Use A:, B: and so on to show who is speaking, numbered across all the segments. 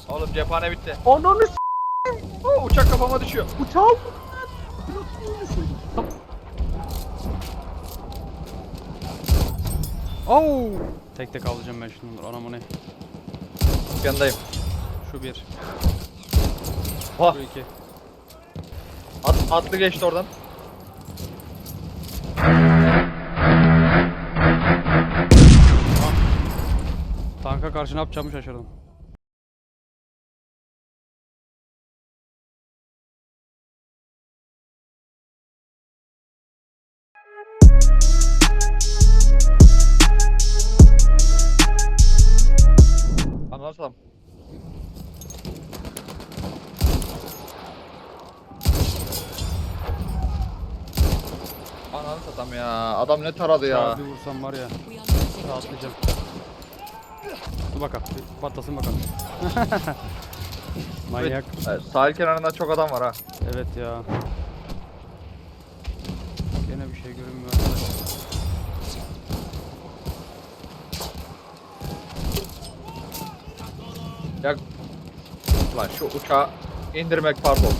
A: Oğlum cephane bitti.
B: Ananı
A: Uçak kafama düşüyor.
B: uçağım.
C: Oo! Tek tek alacağım ben şunu. Anam o ne?
A: Yanındayım.
C: Şu bir.
A: Oh,
C: Şu iki.
A: atlı geçti oradan.
C: Tanka karşı ne yapacağımı şaşırdım.
A: Anlarsam. Ananı satam ya. Adam ne taradı ya.
C: Ya bir vursam var ya. Rahatlayacağım. Dur bakalım. Bir patlasın bakalım. Manyak.
A: Evet, sahil kenarında çok adam var ha.
C: Evet ya. Gene bir şey görünmüyor arkadaşlar.
A: Ya lan şu uçağı indirmek pardon.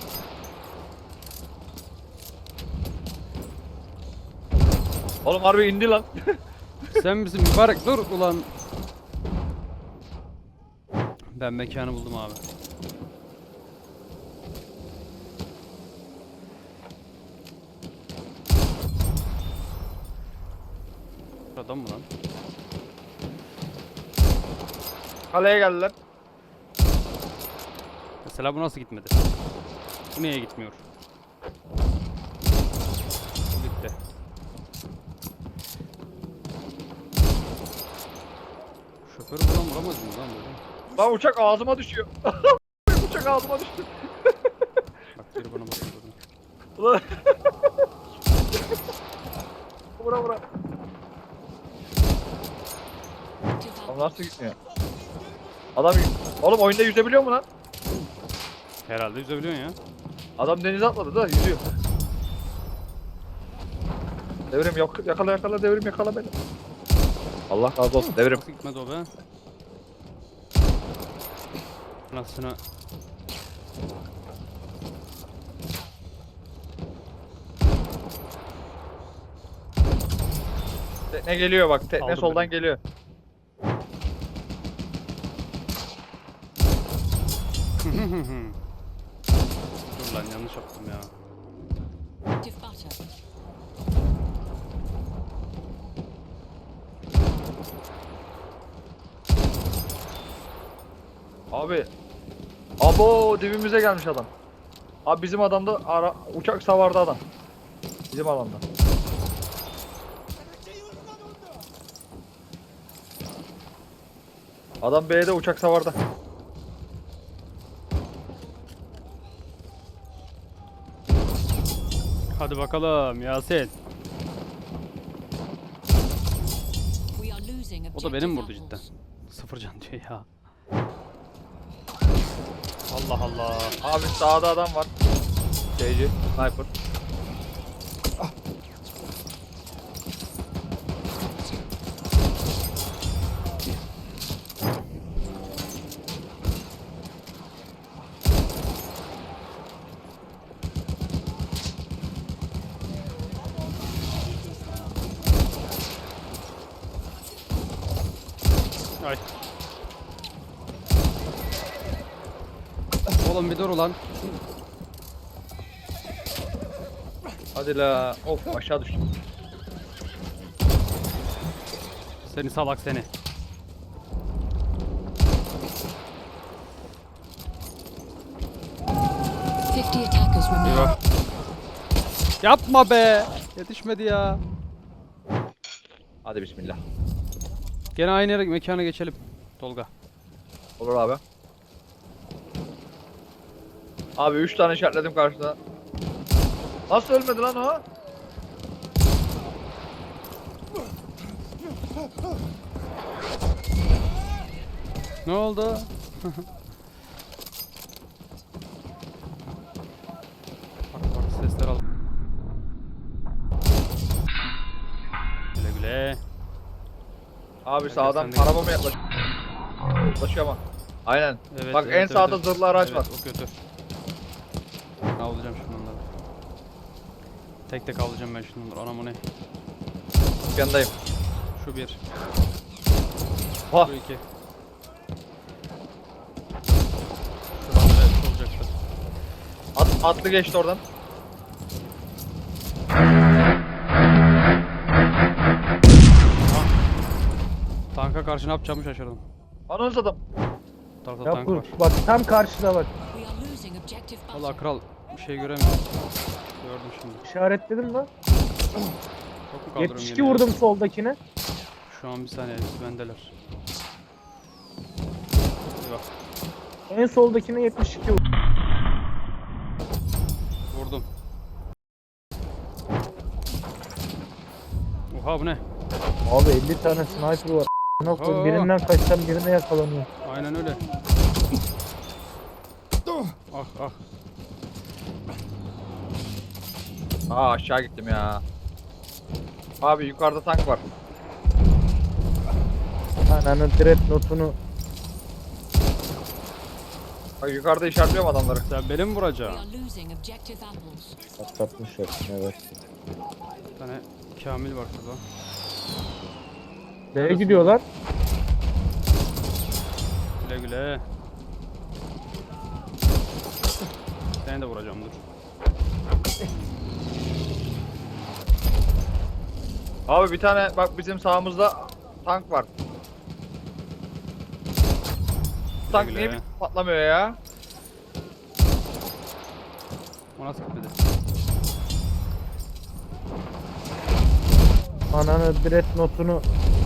A: Oğlum harbi indi lan.
C: Sen misin mübarek, dur ulan. Ben mekanı buldum abi. Adam mı lan?
A: Kaleye geldiler.
C: Mesela bu nasıl gitmedi? Bu niye gitmiyor? Gitti. Şoförü buradan vuramaz mıyım lan böyle?
A: Lan uçak ağzıma düşüyor. Uçak ağzıma düştü.
C: Bak biri bana bakıyor buradan.
A: Ulan. Vura vura. Oğlum nasıl gitmiyor? Adam oğlum oyunda yüzebiliyor mu lan?
C: Herhalde yüzebiliyorsun ya.
A: Adam denize atladı da yüzüyor. Devrim yok, yakala yakala devrim yakala beni. Allah razı olsun devrim.
C: Nasıl gitmedi o be? Anasını.
A: Tekne geliyor bak, tekne
C: Aldım
A: soldan
C: beni.
A: geliyor.
C: Dur lan yanlış yaptım ya.
A: Abi. Abo dibimize gelmiş adam. Abi bizim adamda uçak savardı adam. Bizim alanda. Adam B'de uçak savarda.
C: Hadi bakalım Yasin. O da benim vurdu cidden. Sıfır can diyor ya. Allah Allah.
A: Abi sağda adam var. JJ, sniper.
C: Ay. Oğlum bir dur ulan.
A: Hadi la. Of aşağı düştüm.
C: Seni salak seni. Eyvah. Yapma be. Yetişmedi ya.
A: Hadi bismillah.
C: Gene aynı yere mekana geçelim. Tolga.
A: Olur abi. Abi 3 tane işaretledim karşıda. Nasıl ölmedi lan o?
C: Ne oldu? Bak sesler al. Güle güle.
A: Abi
C: Gel,
A: sağdan
C: sen de gel.
A: arabama yaklaşıyor ama. Aynen.
C: Evet,
A: Bak
C: evet,
A: en
C: evet,
A: sağda
C: evet.
A: zırhlı araç
C: Evet,
A: var.
C: o kötü. Avlayacağım şimdi onları. Tek tek avlayacağım ben şimdi onları. Anam o ne?
A: Yanındayım.
C: Şu bir.
A: Vah.
C: Şu iki. Şuradan da olacaktı.
A: Atlı geçti oradan.
C: Tanka karşı ne yapacağımı şaşırdım.
A: Anons adam.
C: Bu tarafta
B: Ya
C: tank
B: bu
C: var.
B: bak tam karşıda bak.
D: We are losing objective
C: Valla
D: butter.
C: kral bir şey göremiyorum. Gördüm şimdi.
B: İşaretledim mi?
C: Çok mu kaldırıyorum
B: 72
C: geriye?
B: vurdum soldakine.
C: Şu an bir saniye hepsi bendeler. Bir bak.
B: En soldakine 72 vurdum.
C: Vurdum. Oha bu ne?
B: Abi 50 tane sniper var.
C: Oha.
B: Birinden kaçsam birine yakalanıyor.
C: Aynen öyle. Ah ah.
A: Aşağı gittim ya. Abi yukarıda tank var.
B: Ananın dreadnought'unu
A: Bak yukarıda işaretliyorum adamları.
C: Sen beni mi
D: We
C: vuracaksın?
D: are losing objective apples.
B: patlatmışlar. Evet.
C: Bir tane Kamil var şurada.
B: Nereye gidiyorlar?
C: Güle güle. Seni de vuracağım dur.
A: Abi bir tane bak bizim sağımızda tank var. Tank
C: güle.
A: niye bir patlamıyor ya?
C: O nasıl gitmedi?
B: Ananın dreadnought'unu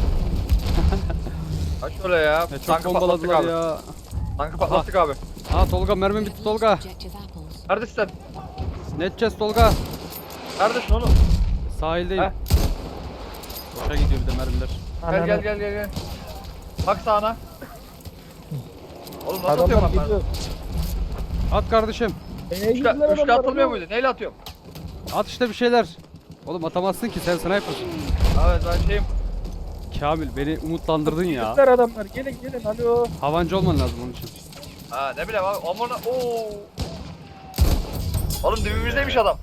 A: Ha şöyle ya.
C: Çok
A: Tankı patlattık
C: bombaladılar
A: abi.
C: ya.
A: Tankı patlattık abi.
C: Aa Tolga mermim
D: We
C: bitti
D: have lost
C: Tolga.
D: objective apples.
A: Neredesin sen?
C: Ne edeceğiz Tolga?
A: Neredesin oğlum?
C: Sahildeyim.
A: Heh.
C: Boşa gidiyor bir de mermiler.
A: Gel. Bak sağına. Oğlum nasıl
B: Adamlar
A: atıyorum ben?
B: gidiyor.
C: At kardeşim.
B: Neye
A: Üçlü atılmıyor muydu? Neyle atıyorum?
C: At işte bir şeyler. Oğlum atamazsın ki sen sniper'sın.
A: Evet ben şeyim.
C: Kamil beni umutlandırdın ya.
B: Gittiler adamlar. Gelin alo.
C: Havancı olman lazım onun için.
A: Ha ne bileyim abi. Aman ooo. Oğlum dibimizdeymiş adam.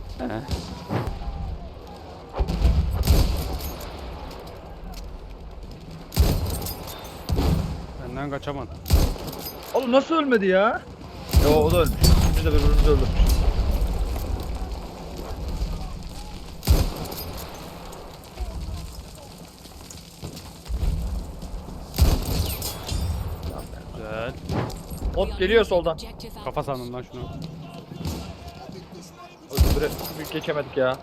C: Benden kaçaman.
A: Oğlum nasıl ölmedi ya? Yo o da ölmüş. Biz de birbirimizi öldürmüş.
C: Güzel.
D: We
A: Bot
D: are
A: geliyor
D: losing
A: soldan.
D: objective apples.
C: Kafa sandım lan şunu.
A: Süre büyük geçemedik ya.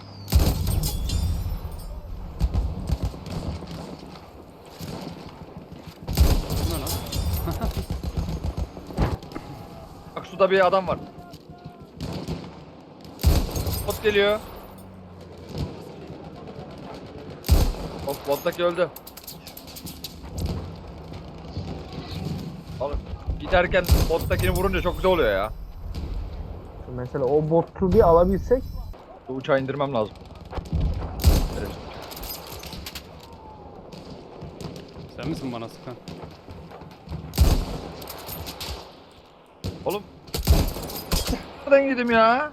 C: Bu ne lan?
A: Bak suda bir adam var. Bot geliyor. Bottaki öldü. Oğlum giderken bottakini vurunca çok güzel oluyor ya.
B: Mesela o botu bir alabilsek.
A: Bu uçağı indirmem lazım. Evet.
C: Sen misin bana sıkan?
A: Oğlum. Nereden gidim ya?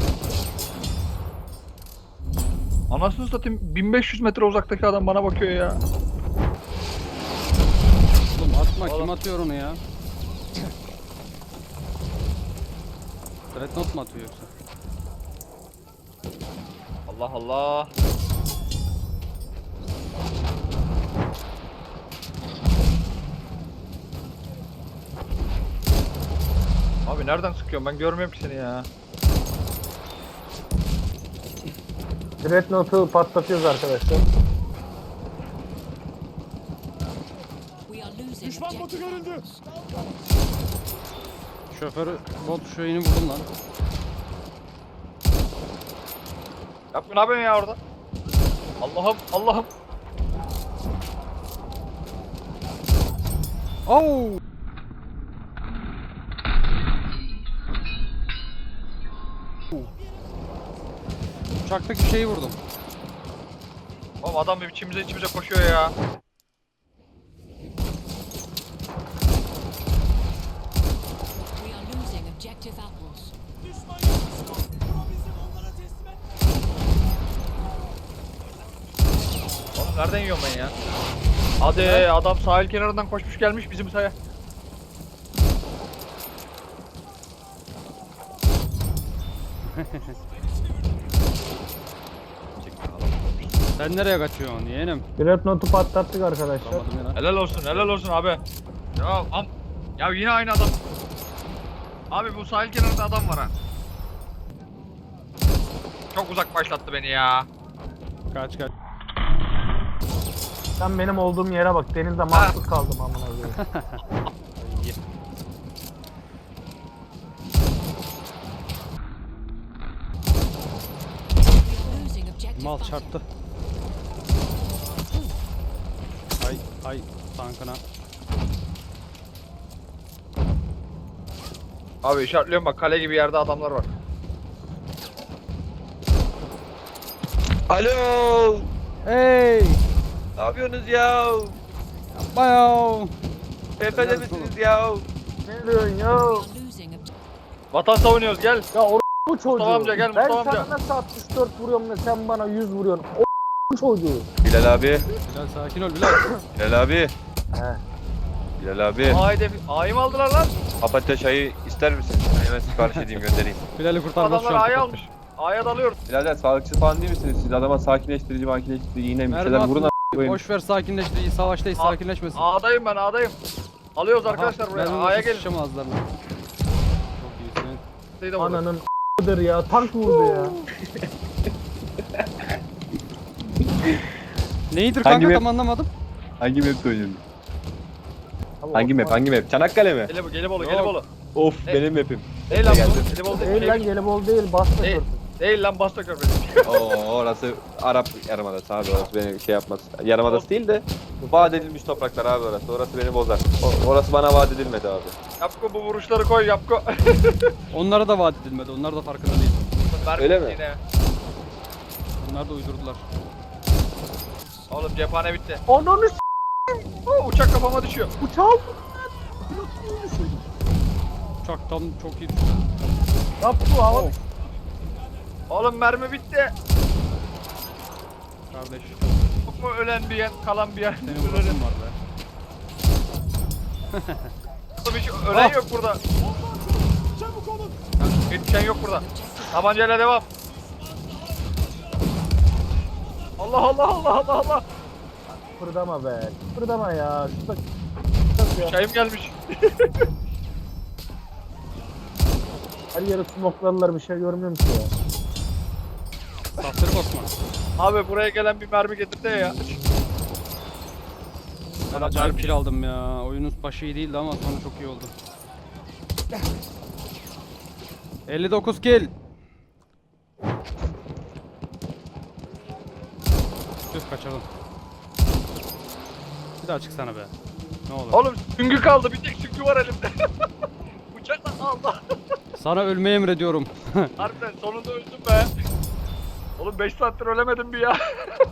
A: Anasını satayım 1500 metre uzaktaki adam bana bakıyor ya.
C: Oğlum atma
A: Oğlum.
C: kim atıyor onu ya? Dreadnought mu atıyor yoksa?
A: Allah Allah. Abi nereden sıkıyorum ben görmüyorum ki seni ya.
B: Dreadnought'u patlatıyoruz arkadaşlar.
D: We are losing objective apples.
C: Şoförü bot şeyini vurdum lan.
A: Yapma ne yapıyorsun ya orada? Allah'ım.
C: Oo! Uçaktaki şeyi vurdum.
A: Oğlum adam bir içimize koşuyor ya. Nereden yiyorum ben ya? Hadi adam sahil kenarından koşmuş gelmiş bizim saya.
C: Sen nereye kaçıyorsun yeğenim?
B: Pilot notu patlattık arkadaşlar.
C: Anladım ya lan.
A: Helal olsun abi. Ya yine aynı adam. Abi bu sahil kenarında adam var ha. Çok uzak başlattı beni ya.
C: Kaç.
B: Sen benim olduğum yere bak. Denizde mahsur kaldım amına koyayım.
C: İyi.
D: Losing objective
C: Mal
D: butter.
C: çarptı. Ay tankına.
A: Abi işaretliyorum bak kale gibi yerde adamlar var.
E: Alo.
C: Hey!
E: Ne yapıyorsunuz ya?
C: Bayağı.
E: Efendim misiniz ya?
B: Ne diyorsun ya?
D: We are losing objective.
A: Vatan savunuyoruz gel.
B: Ya bu çocuğu.
A: Mustafa amca, gel,
B: ben
A: Mustafa
B: sana
A: amca.
B: nasıl 64 vuruyorum da sen bana 100 vuruyorsun. O çocuğu.
E: Bilal abi.
C: Bilal sakin ol Bilal.
E: Bilal abi.
B: He.
E: Bilal abi.
A: A'yı mı aldılar lan?
E: Papatya çayı ister misin? Hemen sipariş edeyim göndereyim.
C: Bilal'i kurtarmak şu
A: Adamlar
C: an.
A: A'yı almış. A'ya dalıyoruz.
E: Birader sağlıkçı falan değil misiniz? Siz adama sakinleştirici yine bir
C: Mermi
E: şeyler vurun
C: atma.
E: a**ayım.
C: Boş ver sakinleştirici. Savaştayız sakinleşmesin.
A: A'dayım ben A'dayım. Alıyoruz arkadaşlar buraya. A'ya gelin.
C: Şişem ağızlarına. Çok iyisin.
A: Şeyi de vurdum.
B: Ananın ***'dır ya. Tank vurdu ya.
C: Neydir
E: Hangi
C: kanka
E: map?
C: tam anlamadım.
E: Hangi map oynuyorsun?
B: Abi
E: Hangi map? Hangi map? Çanakkale mi?
A: Gelibolu.
C: Yok.
E: Of
A: Ne?
E: benim map'im.
A: Değil lan
E: Geldim.
A: bu. Gelibolu
B: Değil lan Gelibolu değil. Basta
A: Değil.
B: körfez.
A: Değil lan Basta Körfezi.
E: Oo orası Arap Yarımadası abi, orası beni şey yapmaz. Yarımadası değil de vaat edilmiş topraklar abi orası. Orası beni bozar. Orası bana vaat edilmedi abi.
A: Yapko bu vuruşları koy Yapko.
C: Onlara da vaat edilmedi. Onlar da farkında değil.
E: Öyle mi?
A: Yine.
C: Onlar da uydurdular.
A: Oğlum cephane bitti.
B: Ananı
A: Uçak kafama düşüyor.
B: uçağım.
C: Uçak tam çok iyi düştü.
B: Yap bu hava.
A: Oğlum mermi bitti.
C: Kardeş.
A: Yok mu ölen bir yen, kalan bir yen?
C: Senin vurasın var be.
A: Oğlum hiç ölen
C: Ah.
A: yok burada. Yetişen yok burada. Tabancayla devam. Allah.
B: Fırdama be. Fırdama ya. Şurada
A: Çayım gelmiş.
B: her yere smokladılar, bir şey görmüyorum ki ya.
C: Saftır Osman.
A: Abi buraya gelen bir mermi getirdi ya.
C: Ben acayip kill aldım ya. Oyunun başı iyi değildi ama sonu çok iyi oldu. 59 kill. Tüh kaçırdım. Bir daha çıksana be. Ne olur.
A: Oğlum süngü kaldı. Bir tek süngü var elimde. Bıçakla Allah.
C: Sana ölmeyi emrediyorum.
A: Harbiden sonunda öldüm be. Oğlum 5 saattir ölemedim bir ya.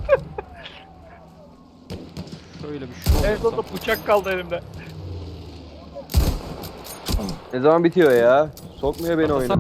C: Şöyle bir şov
A: En
C: yapsam.
A: sonunda bıçak kaldı elimde.
E: Ne zaman bitiyor ya? Sokmuyor beni oyuna.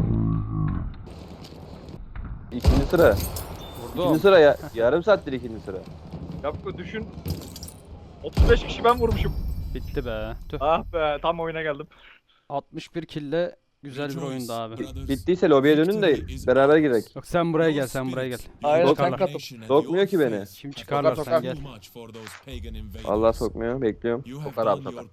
E: İkinci sıra. İkinci
C: Vurdum.
E: sıra ya. Yarım saattir ikinci sıra.
A: Yapko düşün. 35 kişi ben vurmuşum.
C: Bitti be. Tüh.
A: Ah be tam oyuna geldim.
C: 61 kill'le güzel bir oyundu abi.
E: Bittiyse lobiye dönün de beraber girek.
C: Yok sen buraya gel, sen buraya gel.
A: Aynen,
C: Kim
A: sen
C: çıkarlar?
A: katıl.
E: Sokmuyor ki beni.
C: Kim çıkarlar
A: Sokar,
C: sen gel.
E: Allah sokmuyor, bekliyorum.
A: Sokar abi, sokar.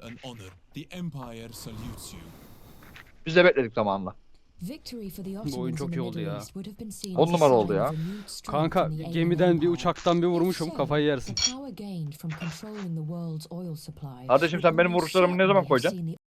A: Biz de bekledik zamanla.
C: Bu oyun çok iyi oldu ya.
A: 10 numara oldu ya.
C: Kanka gemiden bir uçaktan bir vurmuşum, kafayı yersin.
A: Kardeşim sen benim vuruşlarımı ne zaman koyacaksın?